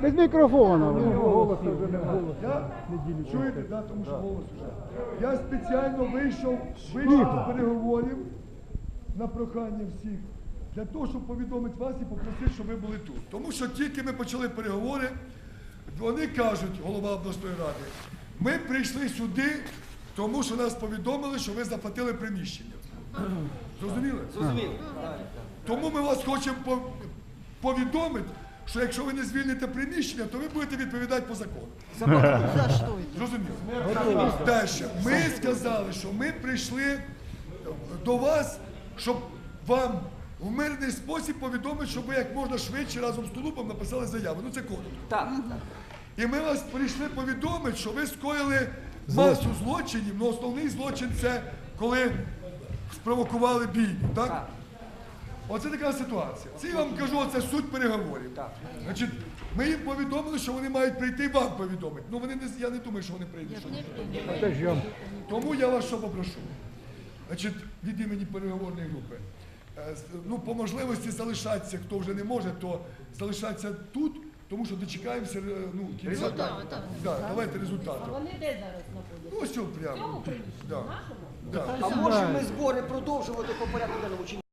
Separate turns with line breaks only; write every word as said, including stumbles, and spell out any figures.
Без мікрофона.
Я, чуєте, да, тому що голос вже. Я спеціально вийшов, вийшов з переговорів на прохання всіх, для того, щоб повідомити вас і попросити, щоб ви були тут. Тому що тільки ми почали переговори, вони кажуть, голова обласної ради, ми прийшли сюди, тому що нас повідомили, що ви заплатили приміщення. Зрозуміли?
Зрозуміло.
Тому ми вас хочемо пов- повідомити, що якщо ви не звільните приміщення, то ви будете відповідати по закону. Зрозуміло? Далі. Ми сказали, що ми прийшли до вас, щоб вам в мирний спосіб повідомити, щоб ви як можна швидше разом з Тулупом написали заяву. Ну це коротко.
Так, так.
І ми вас прийшли повідомити, що ви скоїли масу злочинів, але основний злочин це коли спровокували бійню, так?
Так.
Оце така ситуація. Це я вам кажу, це суть переговорів.
Так.
Значить, ми їм повідомили, що вони мають прийти і вам повідомити. Ну вони не, я не думаю, що вони прийдуть. Тому я вас що попрошу. Значить, від імені переговорної групи. Е, з- Ну, по можливості залишатися, хто вже не може, то залишатися тут, тому що дочекаємося е, ну, кінця.
Результату.
Да, давайте результату.
Вони де зараз знаходяться?
Ну, ось цього прямо.
В цьому приміщенні,
Да.
нашому?
Да.
А можемо ми збори продовжувати по порядку денному чи ні?